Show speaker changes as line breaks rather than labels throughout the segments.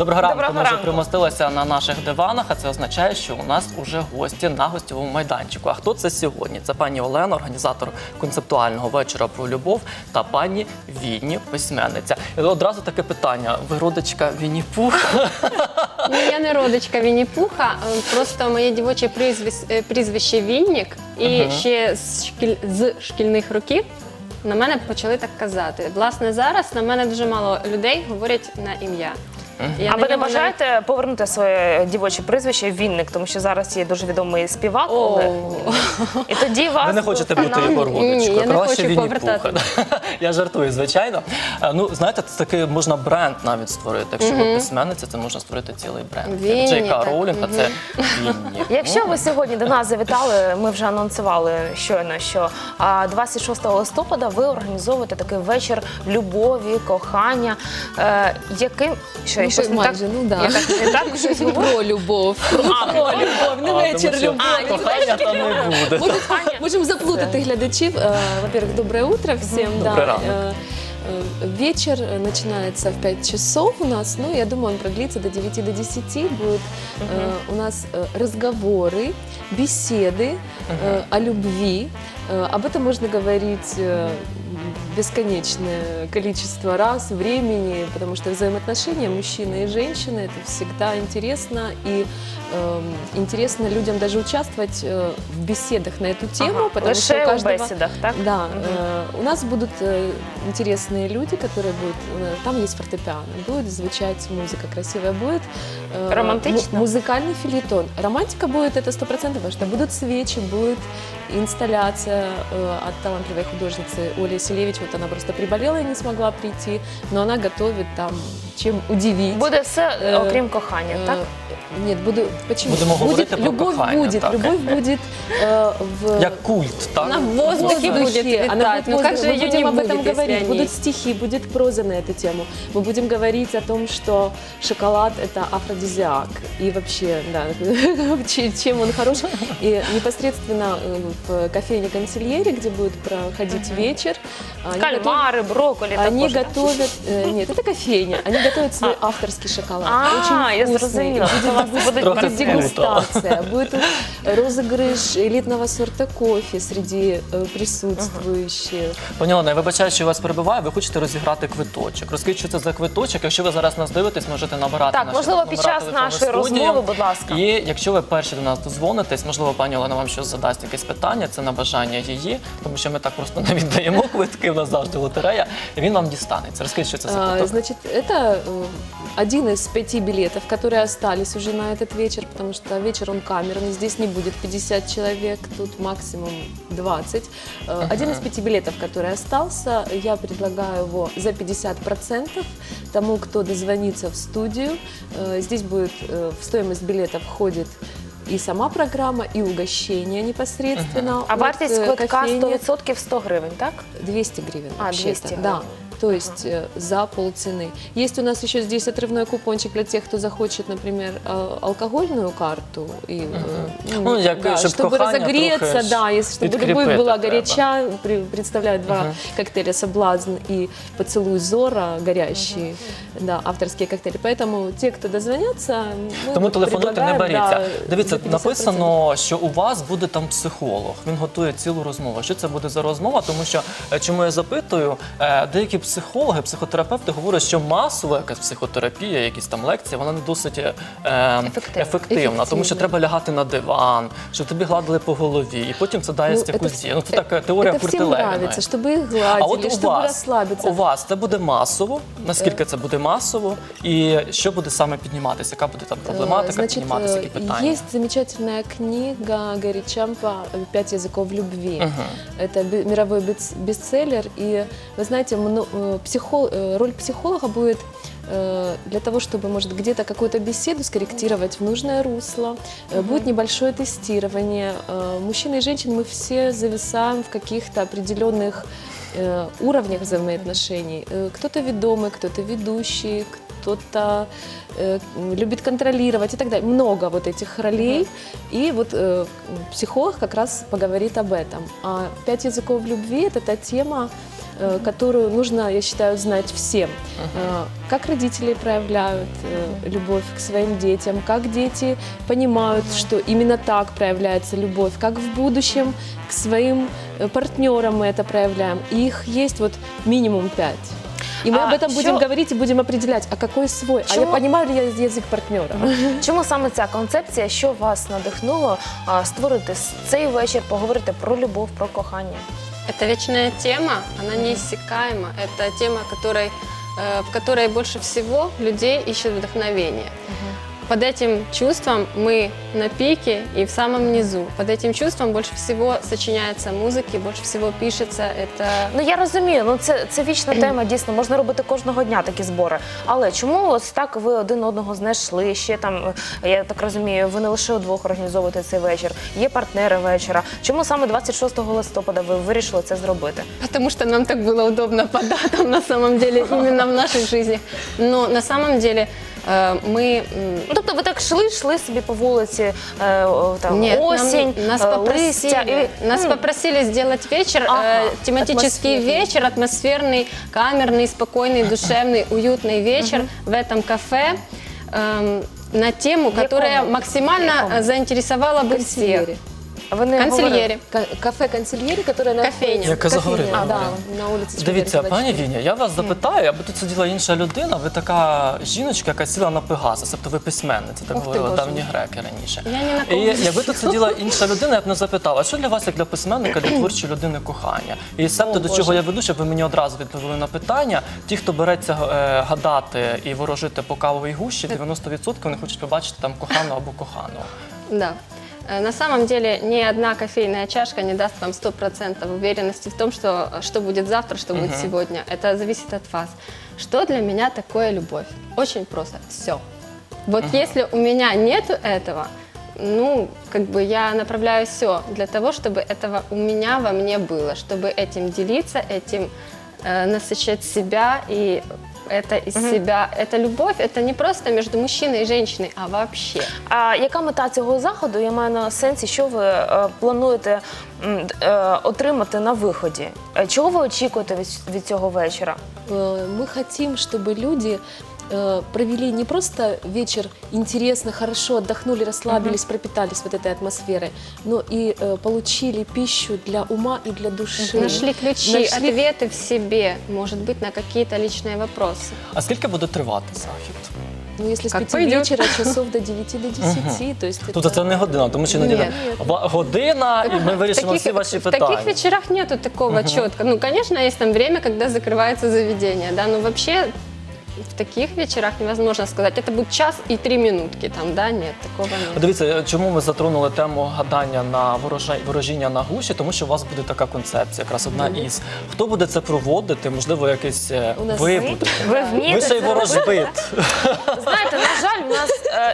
Доброго ранку.
Доброго
Ми вже
ранку.
примостилися на наших диванах, а це означає, що у нас уже гості на гостьовому майданчику. А хто це сьогодні? Це пані Олена, організатор концептуального вечора про любов, та пані Вінні, письменниця. І одразу таке питання. Ви родичка Вінні-Пуха?
Ну, я не родичка Вінні-Пуха, просто моє дівоче прізвище Віннік. І ще з шкільних років на мене почали так казати. Власне, зараз на мене дуже мало людей говорять на ім'я.
А ви не бажаєте повернути своє дівоче прізвище Вінник, тому що зараз є дуже відомий співак Олег. І тоді вас...
Ви не хочете бути його
Ні, я
родичкою?
не
Краще
хочу
Вінні-Пуха.
повертати.
Я жартую, звичайно. Ну, знаєте, це такий можна бренд навіть створити. Якщо ви письменниця, це можна створити цілий бренд.
Вінні,
Джейка
так.
Роулінг, а це Вінні.
Якщо ви сьогодні до нас завітали, ми вже анонсували щойно, що 26 листопада ви організовуєте такий вечір любові, кохання. Яким... Що, щось не так?
майже, ну да.
Я так не так щось говорю?
Про любов. Про любов, не вечір любові.
Кохання там не буде.
Можем заплутать глядачів. Во-первых, доброе утро всем.
Добрый ранок.
Вечер начинается в 5 часов у нас. Ну, я думаю, он продлится до 9 до 10. Будет у нас разговоры, беседы о любви. Об этом можно говорить бесконечное количество раз, времени, потому что взаимоотношения мужчины и женщины — это всегда интересно, и интересно людям даже участвовать в беседах на эту тему, потому что у
Лише у
каждого...
бесідах, так?
Да, у нас будут интересные люди, которые будут, там есть фортепиано, будет звучать музыка красивая, будет
Романтично?
Музыкальный фельетон. Романтика будет, это 100%, потому что будут свечи, будет инсталляция от талантливой художницы Оли Селевич. Вот она просто приболела и не смогла прийти, но она готовит там чем удивить.
Буде все, окрім кохання, так?
Нет, почему?
Будемо говорити про
любовь
кохання,
будет,
так.
любовь будет в...
Як культ, так?
На воздухе будет
Она
витать.
будет
Ну как же
мы
ее
будем
не
об этом
будет, если
говорить,
они-
будут стихи, будет проза на эту тему. Мы будем говорить о том, что шоколад – это афродизиак. И вообще, да, чем он хорош. И непосредственно в кофейне «Консильери», где будет проходить вечер, они
Кальмари, брокколі
Они
також.
готовят, нет, это кофейня, они готовят свой авторский шоколад. Очень
я
вкусный.
зрозуміла.
Будет
У вас будуть
Трохи
будет дегустация, будет розыгрыш элитного сорта кофе среди присутствующих.
Пані Олена, я вибачаю, що я вас перебиваю, ви хочете розіграти квиточок. Розкажіть, що це за квиточок. Якщо ви зараз нас дивитесь, можете набирати
Так,
наші
можливо,
номера
під час
телефону
нашої
студії.
розмови, будь ласка.
І якщо ви перші до нас дозвонитесь, можливо, пані Олена вам щось задасть якесь питання, це на бажання її, тому що ми так просто не віддаємо квитки, в нас завжди лотерея, і він вам дістанеться. Розкажіть, що це за квиток.
Значит, это один из 5 билетов, которые остались уже на этот вечер, потому что вечер он камерный, здесь не будет 50 человек, тут максимум 20. Один из 5 билетов, который остался, я предлагаю его за 50% тому, кто дозвонится в студию. Здесь будет, в стоимость билета входит и сама программа, и угощение непосредственно.
А
от,
вартість квитка
кофейни.
100% 100 гривень, так?
200 гривен.
А,
вообще-то,
200
да.
гривен.
То есть за полцены. Есть у нас еще здесь отрывной купончик для тех, кто захочет, например, алкогольную карту. И,
Ну, як,
да,
щоб
чтобы
кохання
разогреться,
трохи
да, если, чтобы любовь
підкріпити
была
треба.
горяча, представляют два коктейля «Соблазн» и «Поцелуй Зора» горящие, да, авторские коктейли. Поэтому те, кто дозвонятся, мы
Тому
вот
телефонуйте, не
предлагаем,
беріться.
да,
Дивіться,
за 50%.
написано, що у вас буде там психолог. Він готує цілу розмову. Що це буде за розмова? Тому що, чому я запитую, деякі психологи, психотерапевти говорять, що масова якась психотерапія, якісь там лекції, вона не досить ефективна. Тому що треба лягати на диван, щоб тобі гладили по голові, і потім це дасть якусь дію. Ну, це така теорія
Это всем
протилежна.
нравится, чтобы их
А
гладили,
от
чтобы расслабиться.
у вас це буде масово? Наскільки це буде масово? І що буде саме підніматися? Яка буде там проблематика
Значит,
підніматися, які питання?
есть замечательная книга Гэри Чампа «5 языков любви». Это мировой бестселлер. И, вы знаете, роль психолога будет для того, чтобы, может, где-то какую-то беседу скорректировать в нужное русло. Будет небольшое тестирование. Мужчины и женщины, мы все зависаем в каких-то определенных уровнях взаимоотношений. Кто-то ведомый, кто-то ведущий, кто-то любит контролировать и так далее. Много вот этих ролей. И вот психолог как раз поговорит об этом. А 5 языков любви – это та тема, которую нужно, я считаю, знать всем. Как родители проявляют любовь к своим детям, как дети понимают, что именно так проявляется любовь, как в будущем к своим партнерам мы это проявляем. И их есть вот минимум 5. И мы об этом будем говорить и будем определять, а какой свой, а я понимаю ли я язик партнера.
Чому саме ця концепція, що вас надихнуло створити цей вечір, поговорити про любов, про кохання?
Это вечная тема, она неиссякаема. Это тема, в которой больше всего людей ищет вдохновение. Под этим чувством мы на пике и в самом низу. Под этим чувством больше всего сочиняется музыки, больше всего пишется. Это...
Ну я розумію, ну це вічна тема, дійсно, можна робити кожного дня такі збори. Але чому ось так ви один одного знайшли? Ще там, я так розумію, ви не лише удвох організовуєте цей вечір, є партнери вечора. Чому саме 26 листопада ви вирішили це зробити?
Потому что нам так было удобно по датам, на самом деле, именно в наших жизнях. Но на самом деле мы...
Ну, тобто ви так йшли собі по вулиці, там,
Нет,
осінь, листя.
Нас попросили сделать вечер, тематический
атмосферный.
вечер, атмосферный, камерный, спокойный, душевный, уютный вечер в этом кафе на тему, которая максимально заинтересовала бы всех.
Консильери.
Ви не говорили?
Консильери.
Кафе «Консильери», которое на
Кофейня.
Яка заговорила.
Да,
Говорила.
на улице
Дивіться,
Чемберлена,
пані
24.
Віня, я вас запитаю, аби тут сиділа інша людина, ви така жіночка, яка сіла на Пегаса, тобто ви письменниця, так
Ух ти,
говорили
Боже
давні
мій.
греки раніше.
Я ні на
І
кого не
якби тут сиділа інша людина, я б не запитала, а що для вас, як для письменника, для творчої людини кохання? І себто до чого я веду, щоб ви мені одразу відповіли на питання. Ті, хто береться гадати і ворожити по кавовій гущі, 90% вони хочуть побачити там коханого або коханого.
Да. На самом деле ни одна кофейная чашка не даст вам 100% уверенности в том, что будет завтра, что будет сегодня. Это зависит от вас. Что для меня такое любовь? Очень просто. Все. Вот если у меня нету этого, ну, как бы я направляю все для того, чтобы этого у меня во мне было, чтобы этим делиться, этим насыщать себя и это из себя. Это любовь, это не просто между мужчиной и женщиной, а вообще.
А яка мета цього заходу? Я маю на сенсі, що ви плануєте отримати на виході? Чого ви очікуєте від цього вечора?
Мы хотим, чтобы люди провели не просто вечер интересно, хорошо, отдохнули, расслабились, пропитались вот этой атмосферой, но и получили пищу для ума и для души.
Нашли ключи, ответы в себе, может быть, на какие-то личные вопросы.
А скільки буде тривати захід?
Ну, если с
Как
5
пойдет.
вечера, часов до 9 до 10, то есть
Тобто це не година, тому що іноді
Ні.
година, і ми вирішимо всі ваші
в таких
питання.
вечерах нету такого четко. Ну, конечно, есть там время, когда закрывается заведение, да, но вообще в таких вечерах невозможно сказать, это будет час и 3 минутки, там, да, нет, такого нет.
Дивіться, чому ми затронули тему гадання на ворожіння на гуші, тому що у вас буде така концепція, якраз одна із. Хто буде це проводити, можливо, якийсь
У нас
ви
ми.
будете.
Ви вмієте
Ви ще й
це робити?
ворожбит.
Знаєте, на жаль, в нас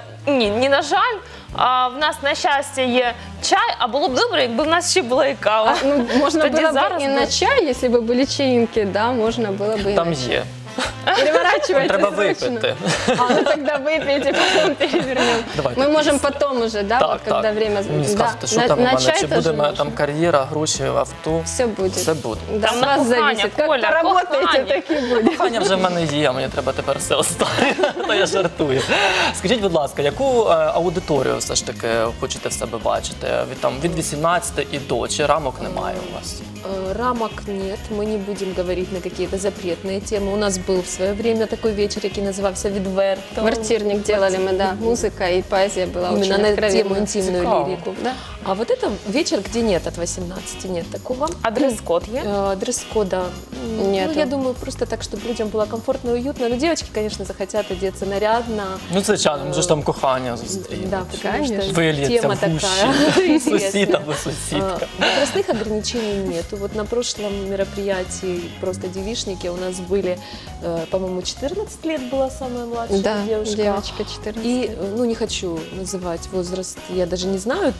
ні, на жаль, а в нас на щастя є чай, а було б добре, якби в нас ще була і кава.
Ну, можно
Тоді
было
зараз
бы и
би-
на чай, если бы были чаинки, да, можно было бы и
Там
на чай.
є.
Переворачивайте
Треба
срочно.
випити.
А, ну тогда выпейте, потом перевернем.
Давайте
Мы можем
після.
потом уже, да, вот когда время...
Мені
да.
скажете, що там у
на
мене,
чай
чи
тоже
буде
можно.
там кар'єра, гроші, авто.
Все будет.
Все буде.
Да,
Там
с
на
вас
кухання,
зависит. Как
Коля,
поработаете,
кухання.
так и будет.
Кохання вже в мене є, мені треба тепер все оставити. То я жартую. Скажіть, будь ласка, яку аудиторію все ж таки хочете в себе бачити? Від 18 і до, чи рамок немає у вас?
Рамок нет, мы не будем говорить на какие-то запретные темы. У нас был в свое время такой вечер, який назывался «Відверто».
Квартирник делали мы, да. Музыка и поэзия была
Именно
очень
на
откровенна.
тему интимную
Цікаво.
лирику.
Да.
А вот это вечер, где нет от 18, нет такого.
А дрес-код є?
Дресс-кода
Нету.
ну, я думаю, просто так, чтобы людям было комфортно и уютно. Но девочки, конечно, захотят одеться нарядно.
Ну, звичайно, може ж там кохання зустрінуть.
Да, потому
Конечно.
что
Вильється
тема
в гущі.
такая.
Сусід або сусідка.
Возрастных ограничений нету. Вот на прошлом мероприятии просто девичники у нас были, по-моему, 14 лет была самая младшая
Да,
девушка.
девочка 14.
И, ну, не хочу называть возраст, я даже не знаю точный,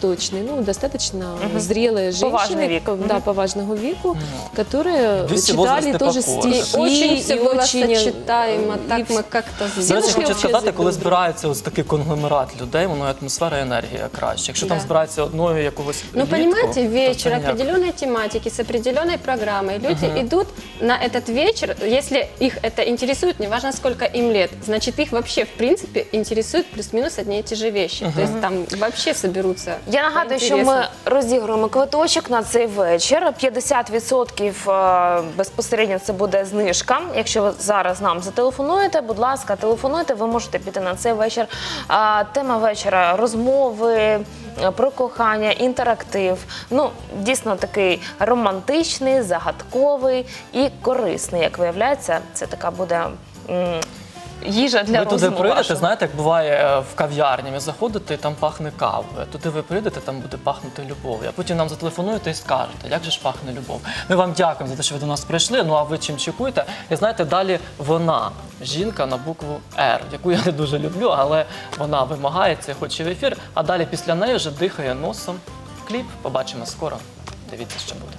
достаточно зрелые
Поважный
женщины,
век.
да, поважного веку, которые
Весь
читали
возраст
тоже
эпохи.
стихи.
Очень все
и
было
очень,
сочетаемо,
и
так мы как-то
До
сделали.
речі,
Знали
хочу
общий
сказати,
язик
коли
друг друга.
збирається ось такий конгломерат людей, воно і атмосфера, і енергія краще. Якщо там
Да.
збирається одною якогось
Ну,
влітку,
понимаете,
то
вечер
це ніяк.
определенной тематики с определенной программой. Люди идут на этот вечер, если их это интересует, неважно сколько им лет, значит, их вообще, в принципе, интересуют плюс-минус одни и те же вещи. То есть там вообще соберутся.
Я нагадую, що ми
интересно.
розігруємо квиточок на цей вечір. 50% безпосередньо це буде знижка. Якщо ви зараз нам зателефонуєте, будь ласка, телефонуйте, ви можете піти на цей вечір. Тема вечора – розмови, про кохання, інтерактив. Ну, дійсно такий романтичний, загадковий і корисний. Як виявляється, це така буде їжа для
Ви туди
розуму
прийдете,
вашого.
знаєте, як буває в кав'ярні, ви заходите і там пахне кавою. Туди ви прийдете, там буде пахнути любов'ю. А потім нам зателефонуєте і скажете, як же ж пахне любов. Ми вам дякуємо за те, що ви до нас прийшли, ну а ви чим чекуєте? І знаєте, далі вона, жінка на букву «Р», яку я не дуже люблю, але вона вимагає, це хоче в ефір, а далі після неї вже дихає носом. Кліп побачимо скоро. Дивіться, що буде.